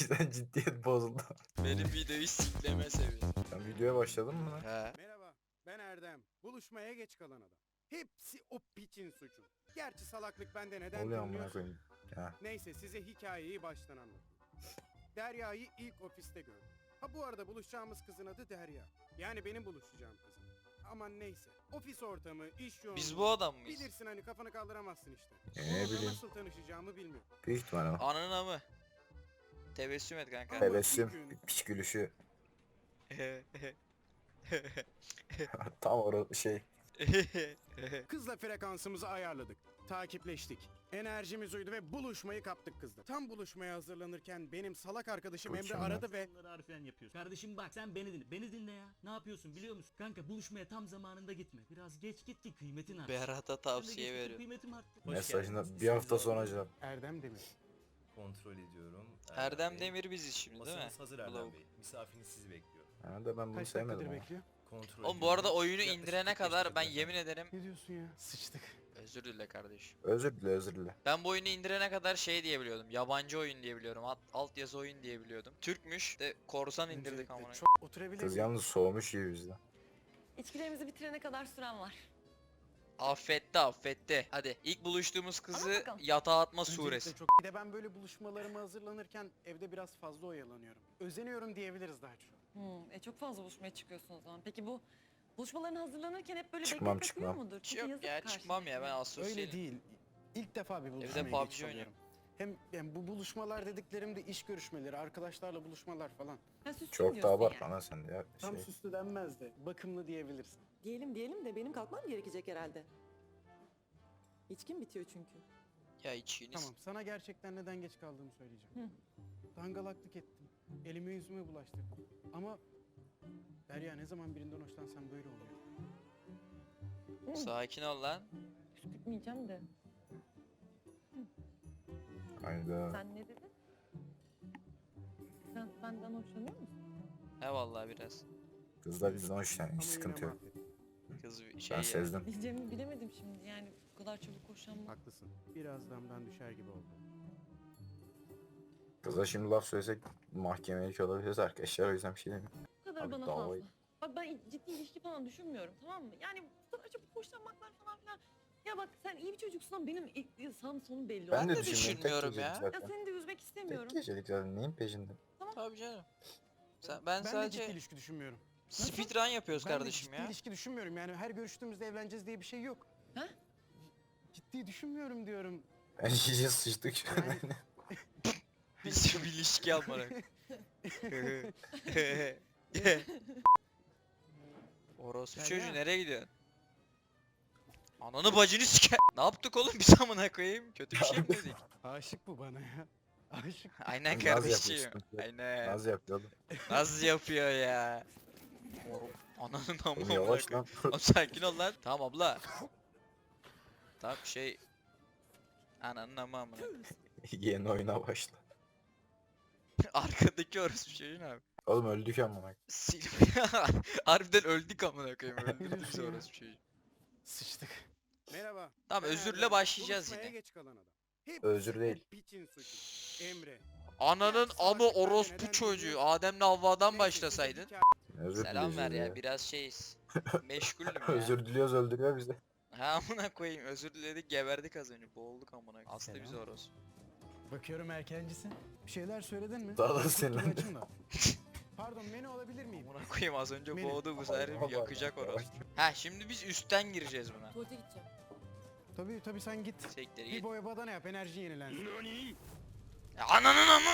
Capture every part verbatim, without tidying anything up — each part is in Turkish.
yüzden ciddiyet bozuldu. Benim videoyu sikleme seviyorum. Sen videoya başladın mı lan? He. Merhaba, ben Erdem. Buluşmaya geç kalan adam. Hepsi o piçin suçu. Gerçi salaklık bende Ne neden oluyor amına dinliyorsun? koyayım? Ya. Neyse size hikayeyi baştan anlatayım. Derya'yı ilk ofiste gördüm. Ha bu arada buluşacağımız kızın adı Derya. Yani benim buluşacağım kızım. Aman neyse. Ofis ortamı, iş yoğunluğu. Biz bu adam mıyız? Bilirsin hani kafanı kaldıramazsın işte. E, Onunla ne bileyim. nasıl tanışacağımı bilmiyorum. Büyük ihtimal ama. Ananın mı? Tebessüm et kanka. Evet. Tebessüm, bir gün- piç gülüşü. Tam orada şey. Kızla frekansımızı ayarladık. Takipleştik. Enerjimiz uydu ve buluşmayı kaptık kızla. Tam buluşmaya hazırlanırken benim salak arkadaşım Emre Mükemmel. aradı ve Bunları harfiyen yapıyorsun. Kardeşim bak sen beni dinle. Beni dinle ya. Ne yapıyorsun biliyor musun? Kanka buluşmaya tam zamanında gitme. Biraz geç git ki kıymetin artsın. Berat'a Ben de tavsiye geç gittim, veriyorum. Kıymetim arttı. Mesajına bir hafta sonra cevap. Erdem Demir. Kontrol ediyorum. Erdem Bey. Demir biziz şimdi değil mi? Masanız hazır Erdem Lavuk. Bey. Misafiriniz sizi bekliyor. Ha da ben bunu Kaç sevmedim dakikadır ama. bekliyor? Kontrol Oğlum bu arada ediyorum. oyunu Yaklaşık indirene kırk beş kadar ben dakika yemin efendim. ederim Ne diyorsun ya? Sıçtık. özür dile kardeşim. Özür dile özür dile. Ben bu oyunu indirene kadar şey diye biliyordum. Yabancı oyun diye biliyorum. Alt, alt yazı oyun diye biliyordum. Türkmüş de korsan indirdik Öncelikle amına. çok oturabilir Kız miyim? yalnız soğumuş gibi bizden. İçkilerimizi bitirene kadar süren var. Affetti affetti. Hadi ilk buluştuğumuz kızı Anlat bakalım. yatağa atma Öncelikle suresi. çok... Bir de ben böyle buluşmalarıma hazırlanırken evde biraz fazla oyalanıyorum. Özeniyorum diyebiliriz daha çok. Hmm, e çok fazla buluşmaya çıkıyorsun o zaman. Peki bu buluşmaların hazırlanırken hep böyle Çıkmam, bekletmek çıkmam. mudur? Çünkü Yok yazık ya çıkmam ya ben karşındakine. Öyle asosyalim. değil. İlk defa bir Evde buluşmaya P U B geç G oynuyorum. kalıyorum. Hem yani bu buluşmalar dediklerimde iş görüşmeleri, arkadaşlarla buluşmalar falan. Ha, süslü Çok da diyorsun abartma yani. lan sen de ya. Tam Şey. süslü denmez de bakımlı diyebilirsin. Diyelim diyelim de benim kalkmam gerekecek herhalde. İçkim bitiyor çünkü. Ya içiniz. Tamam, sana gerçekten neden geç kaldığımı söyleyeceğim. Dangalaklık ettim. Elime yüzüme bulaştırdım. Ama Derya ne zaman birinden hoşlansam böyle oluyor. Sakin ol lan. Püskürtmeyeceğim de. Hayda. Sen ne dedin? Sen benden hoşlanıyor musun? He vallahi biraz. Kız da bizden hoşlanıyor. Ama Hiç yine sıkıntı yok. mahvettim. Kız bir şey Ben ya. sezdim. Diyeceğimi bilemedim şimdi yani bu kadar çabuk hoşlanmak. Haklısın. Biraz damdan düşer gibi oldu. Kıza şimdi laf söylesek mahkemeye olabiliriz arkadaşlar. O yüzden bir şey demiyorum. Bu kadar Abi bana davayı- fazla. Bak ben ciddi ilişki falan düşünmüyorum, tamam mı? Yani bu kadar çabuk hoşlanmaklar falan filan. Ya bak sen iyi bir çocuksun ama benim ilk sağım sonum belli. Ben de de düşünmüyorum. Tek düşünmüyorum ya. gecelik Ya zaten. seni de üzmek Tek istemiyorum. gecelik zaten. Neyin peşinde? Tabii canım. Sen, ben, Ben de ciddi sadece ilişki düşünmüyorum. speedrun yapıyoruz Ben de kardeşim ciddi ya. ilişki düşünmüyorum. Yani her görüştüğümüzde evleneceğiz diye bir şey yok. Ha? Ciddi düşünmüyorum diyorum. Ben iyice sıçtık şu an. Yani Biz bir ilişki almadık. Orospu Derya. çocuğu nereye gidiyorsun? Ananı bacını sike. Ne yaptık oğlum biz amına koyayım? Kötü bir şey mi dedik? aşık bu bana ya. Aşık. Aynen Naz yapıyor, kardeşim. sıkıntı yok. Aynen. Naz yapıyor oğlum. Naz yapıyor ya. Ananın Oğlum amına yavaş koyayım. lan. Oğlum sakin ol lan. Tamam abla. Tamam şey. Ananın ama amına. Yeni oyuna başla. Arkadaki orospu çocuğu ne abi? Oğlum öldük amına. Sil. Harbiden öldük amına koyayım. Öldürdü bizi diyorsun ya? orospu çocuğu. Sıçtık. Merhaba. Tamam ben özürle Erdem. başlayacağız Buluşmaya yine. geç kalan adam. Hepsi Özür o değil. piçin suçu. Emre. Ananın Gerçi amı salaklık bende orospu neden çocuğu. dinliyorsun? Adem'le Havva'dan Neyse, başlasaydın. size Özür Selam ver dileyeceğiz ya biraz şeyiz. Meşgulüm ya. Özür diliyoruz öldürüyor bizi. Ha amına koyayım özür diledik geberdik az önce. Boğulduk amına. Aslı Selam. bizi orospu. hikaye- Bakıyorum erkencisin. Bir şeyler söyledin mi? Daha da Dur, dur, sinirlendim. açın da. Pardon, menü alabilir miyim? Amına koyayım az önce Beni- boğdu bu sefer Allah yakacak Allah. orospu. Ha şimdi biz üstten gireceğiz buna. Tuvalete gideceğim. Tabii tabii sen git. Sektere Bir git. boya badana yap, enerji yenilensin. Ya Ananın amı.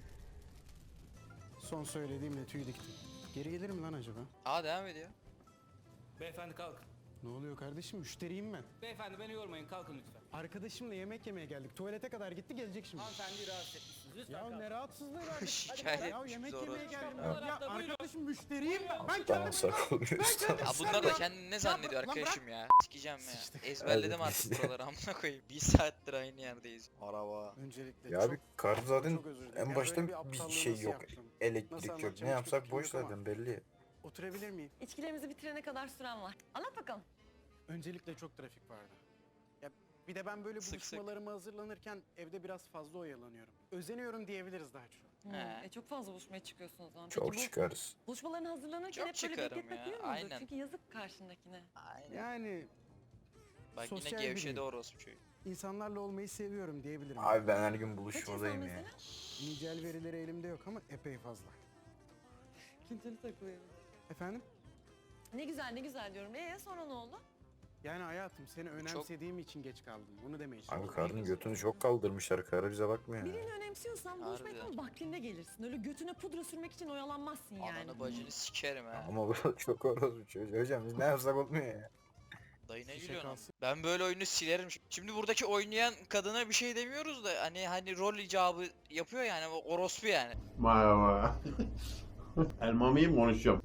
Son söylediğimle tüy diktim. Geri gelir mi lan acaba? Aa devam ediyor. Beyefendi kalkın. Ne oluyor kardeşim? Müşteriyim ben. Beyefendi beni yormayın, kalkın lütfen. Arkadaşımla yemek yemeye geldik. Tuvalete kadar gitti, gelecek şimdi. Hanımefendi rahatsız etmişsiniz. Lütfen Ya kalkın. ne rahatsızlığı var. Şikayet Ya etmiş yemek bizi yemeye orospu. geldim. Ya. Ya arkadaşım müşteriyim ben. Ben Tamam kendim... sakalıyoruz. kendim- Ya bunlar da kendini ne zannediyor lan bırak. arkadaşım ya? Sikeceğim ya. Sıçtık. Ezberledim Hadi. artık buraları amına koyayım. Bir saattir aynı yerdeyiz. Araba. Öncelikle Ya çok, abi kartı zaten çok özür dilerim. en Ya baştan böyle bir bir aptallığı şey nasıl yok. yaptım? Nasıl Elektrik yok. anlatacağım Ne hiç yapsak fikrim boş yok ama. zaten belli. Oturabilir miyim? İçkilerimizi bitirene kadar süren var. Anlat bakalım. Öncelikle çok trafik vardı. Ya Bir de ben böyle Sık sık. buluşmalarıma hazırlanırken evde biraz fazla oyalanıyorum. Özeniyorum diyebiliriz daha çok. Hmm, He. E çok fazla buluşmaya çıkıyorsun o zaman. Çok Peki bu çıkarız. buluşmalarına hazırlanırken Çok hep böyle çıkarım bekletmek ya, değil mudur? aynen. Çünkü yazık karşındakine. Aynen. Yani Bak yine sosyal gevşedi biriyim. orospu çocuğu. insanlarla olmayı seviyorum diyebilirim. Abi ben her gün Kaç insan buluşmadayım ya. mesela? Nicel verileri elimde yok ama epey fazla. Kinceli takılıyor. Efendim? Ne güzel ne güzel diyorum. Ee sonra ne oldu? Yani hayatım seni önemsediğim için geç kaldım. Bunu demeye Abi çalışıyorum. karının götünü çok kaldırmışlar. Karı bize bakmıyor ya. Birini önemsiyorsan buluşmaya Harbiden. tam vaktinde gelirsin. Öyle götüne pudra sürmek için oyalanmazsın yani. Ananı bacını sikerim ha. Ama bu çok orospu çocuğu. Hocam biz ne yapsak olmuyor ya. Dayı ne Şişe gülüyorsun? kalsın. Ben böyle oyunu silerim. Şimdi buradaki oynayan kadına bir şey demiyoruz da hani hani rol icabı yapıyor yani o orospu yani. Merhaba. Elma mıyım konuşacağım.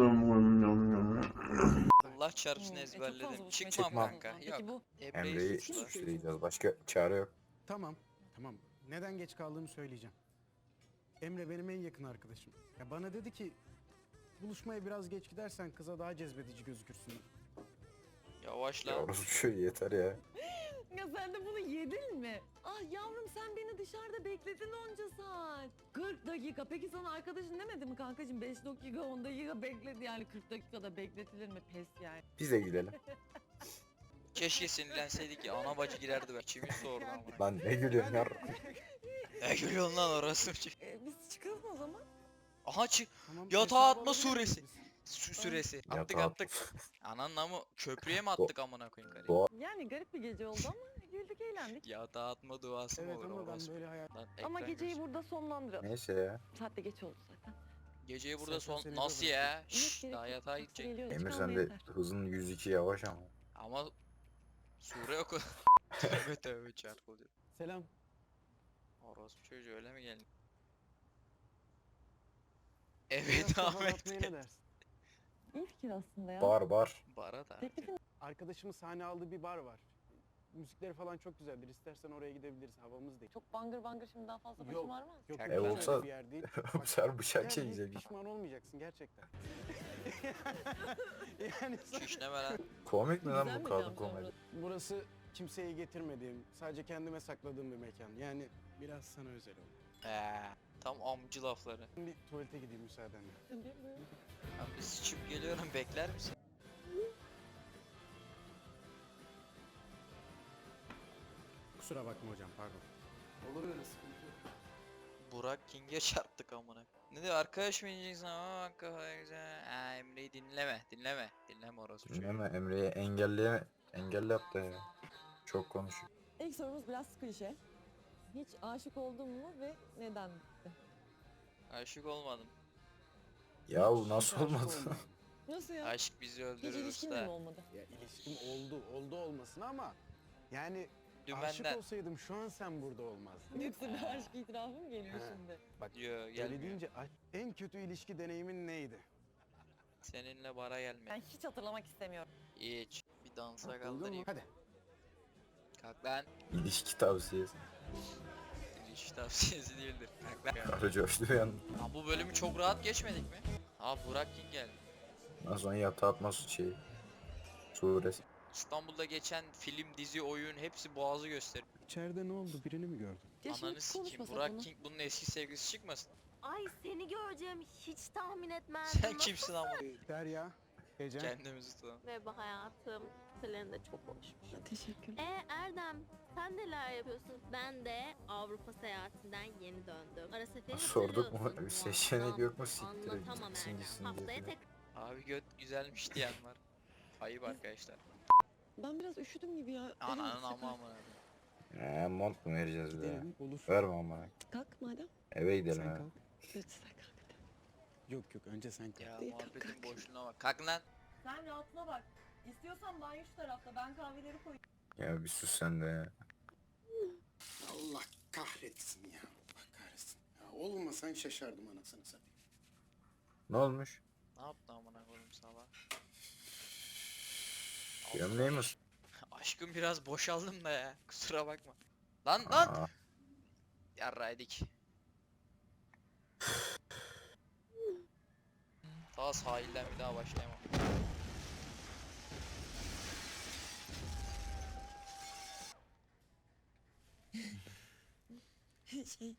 Allah çarpsın Hmm, e, çok fazla ezberledim. buluşmaya Çıkmam çıkıyorsun o kanka. zaman. Yok. Peki bu Emre'yi Emre'yi suçla. suçlayacağız. Başka çare yok. Tamam, tamam. Neden geç kaldığımı söyleyeceğim. Emre benim en yakın arkadaşım. Ya bana dedi ki buluşmaya biraz geç gidersen kıza daha cezbedici gözükürsün. Yavaşla. Ya orospu çocuğu yeter ya. ya sen de bunu yedin mi? Ah yavrum sen beni dışarıda bekledin onca saat. kırk dakika. Peki sana arkadaşın demedi mi kankacığım? beş dakika on dakika bekledi yani kırk dakikada bekletilir mi? Pes yani. Biz de gidelim. Keşke sinirlenseydik ya. Ana bacı girerdi be. İçimiz soğurdu ama. Lan ne gülüyorsun ya? Ne gülüyorsun lan orası? E, biz çıkalım o zaman. Aha çık. Tamam, Yatağa hesabı atma alabilir suresi. miyiz? Sü süresi. Attık Yatağa attık. Ananla mı? Köprüye mi attık amına koyayım karıyı? Doğa- Yani garip bir gece oldu ama güldük eğlendik. Yatağa atma duası mı Evet olur ama ben orospu? böyle hayal... Lan Ama ekran geceyi görsün. burada sonlandıralım. Neyse ya. Saat de geç oldu zaten. Geceyi burada Sen- son... sen seni Nasıl de ya? Evet, Şşş gerek daha yok. yatağa Taksi gidecek. geliyor, Emir çıkalım sen de yeter. hızın yüz iki yavaş ama. Ama... Sure oku. Tövbe tövbe çarpılıyor. Selam. Orospu çocuğu öyle mi geldi? Biraz Evet kafa Ahmet dağıtmaya Bey. ne dersin? İyi fikir aslında ya. Bar bar. Bara da. Teklifin Arkadaşımın sahne aldığı bir bar var. Müzikleri falan çok güzeldir. İstersen oraya gidebiliriz. Havamız değil. çok bangır bangır şimdi daha fazla başım Yok. ağrımaz. Yok, Ev yok, öyle olsa- bir yer değil. Bu sefer bıçak gel, çekecek. Pişman olmayacaksın gerçekten. yani sen- Şişneme lan. Komik mi lan bu Düzenmeyeceğim kadın sonra. komedi? burası kimseyi getirmediğim, sadece kendime sakladığım bir mekan. Yani biraz sana özel oldu. Eee. Tam amcı lafları. Bir tuvalete gideyim müsaadenle. Ben bir sıçıp geliyorum bekler misin? Kusura bakma hocam, pardon. Olur öyle sıkıntı yok. Burak King'e çarptık amına. Ne diyor arkadaş mı diyeceksin ama bak kafa güzel. Ha, Emre'yi dinleme dinleme. Dinleme orası çocuğu. Dinleme Emre'yi engelleye engelle yaptı ya. Çok konuşuyor. İlk sorumuz biraz klişe. Hiç aşık oldun mu ve neden? Aşık olmadım. Ya bu Hiç nasıl aşık olmadı? olmadım. Nasıl ya? Aşk bizi Hiç öldürür ilişkin de mi usta. olmadı? Ya ilişkim oldu, oldu olmasın ama yani aşık Dümenden. olsaydım şu an sen burada olmazdın. Yoksa bir aşk itirafı mı geliyor Ha. şimdi? Bak Diyor öyle gelmiyor. deyince aşk- en kötü ilişki deneyimin neydi? Seninle bara gelme. Ben hiç hatırlamak istemiyorum. Hiç. Bir dansa Buldun kaldırayım. mu? Hadi. Kalk lan. İlişki tavsiyesi. İlişki tavsiyesi değildir. Kalk lan. Karı coştu yani. Ha, bu bölümü çok rahat geçmedik mi? Ha Burak King geldi. Ondan sonra yatağa atma şey. Suresi. İstanbul'da geçen film, dizi, oyun hepsi boğazı gösteriyor. İçeride ne oldu? Birini mi gördün? Ya şimdi Ananı sikeyim. konuşmasak Burak bunu. King bunun eski sevgilisi çıkmasın? Ay seni göreceğim hiç tahmin etmezdim. Sen kimsin ama? Derya, Ecem. Kendimizi tutalım. Merhaba hayatım. Senin de çok hoşmuş. Teşekkür. E Erdem sen neler yapıyorsun? Ben de Avrupa seyahatinden yeni döndüm. Ara seferi Sorduk mu? hatırlıyorsun. Bir seçenek yok mu? Siktir Anlatamam gitsin Erdem. gitsin diye. Haftaya filan. tek Abi göt güzelmiş diyen var. Ayıp arkadaşlar. Ben biraz üşüdüm gibi ya. Ananın ama amına. He mont mu vereceğiz bir de? Gidelim, olur. Verme ama. Kalk madem. Eve gidelim Sen ha. kalk. Evet sen kalk. Yok yok, önce sen kalk. Ya İyi, kalk, muhabbetin kalk. boşluğuna bak. Kalk lan. Sen rahatına bak. İstiyorsan banyo şu tarafta. Ben kahveleri koyayım. Ya bir sus sen de ya. Allah kahretsin ya. Allah kahretsin. Ya olmasan şaşardım anasını satayım. Ne olmuş? Ne yaptın amına koyayım sabah? Gömleği mi? Aşkım biraz boşaldım da ya. Kusura bakma. Lan lan. Aa, Yarraydık. Daha sahilden bir daha başlayamam. şey...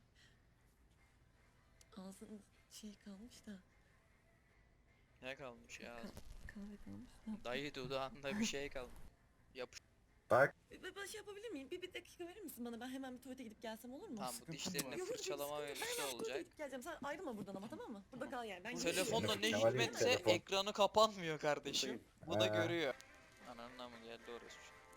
Ağzın şey kalmış da. Ne kalmış ya? Kahve kalmış da. Dayı dudağında bir şey kalmış. Yapış. Bak Ben ben şey yapabilir miyim? Bir, bir dakika verir misin bana? Ben hemen bir tuvalete gidip gelsem olur mu? Tamam bu Sıkıntı dişlerini mı var? Yok, yok, fırçalama sıkıntı yok. mevzusu Ben hemen tuvalete olacak. gidip geleceğim. Sen ayrılma buradan ama, tamam mı? Burada kal yani. Ben Telefonda ne Kemal Bey, hikmetse telefon. ekranı kapanmıyor kardeşim. Bu da Ha. görüyor. Ananına mı geldi orası?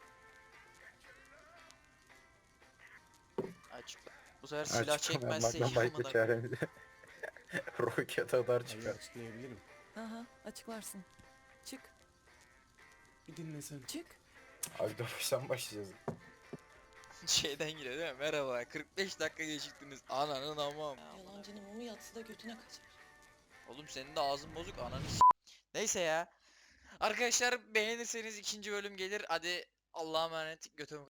Açıkla. Bu sefer silah çekmezse Açıklamamaktan başka amına. çaremiz yok. Roket atar çıkar. açıklayabilirim. Aha, açıklarsın. Çık, Bir dinlesene. çık. Abi de baştan başlayacağız. Şeyden giriyor değil mi? Merhaba kırk beş dakika geciktiniz. Ananın amam. Ya amına. Yalancının mumu yatsı da götüne kaçar. Oğlum senin de ağzın bozuk ananı s- Neyse ya. Arkadaşlar beğenirseniz ikinci bölüm gelir. Hadi Allah'a emanet. Götüm